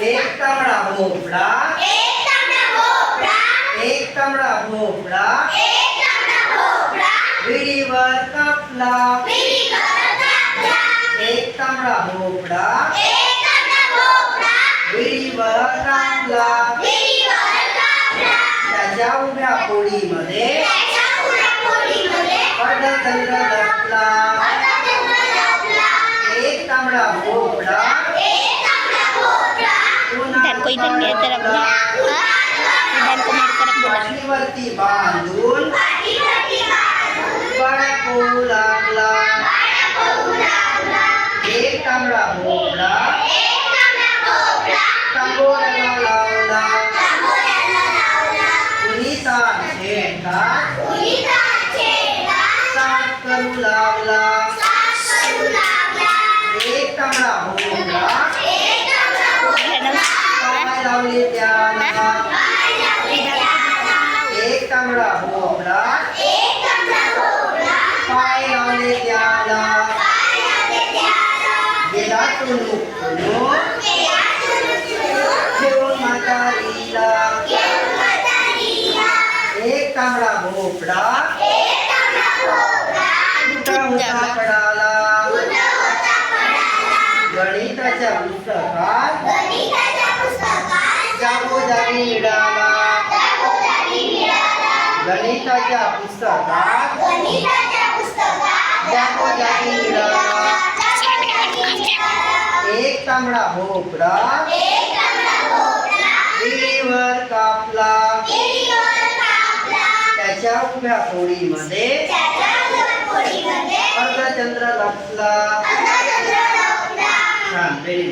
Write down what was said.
एक तांबडा भोपळा, एक तांबडा भोपळा विहिरीवर कापला, एक तांबडा भोपळा विहिरीवर कापला, त्याच्या उभ्या पोळीमध्ये अर्धचंद्र लपला, एक तांबडा भोपळा Dan ko idan niya terap na. Idan ko may terap na. पाठीवरती बांधून बडा पोळू लागला, एक तांबडा भोपळा तांबोळ्याला लावला, कुणी ताट छेडला साथ करू लागला, एक तांबडा भोपळा पाय लावले त्याला, एक तांबडा भोपळा पाय लावले त्याला, गेला तो नुकून ठेवून म्हातारीला, एक तांबडा भोपळा कुठं होता पडाला, गणिताच्या पुस्तकात जागोजागी मिळाला, गणिताच्या पुस्तकात जागोजागी मिळाला, एक तांबडा भोपळा विहिरीवर कापला, त्याच्या उभ्या पोळीमध्ये अर्धचंद्र लपला. छान.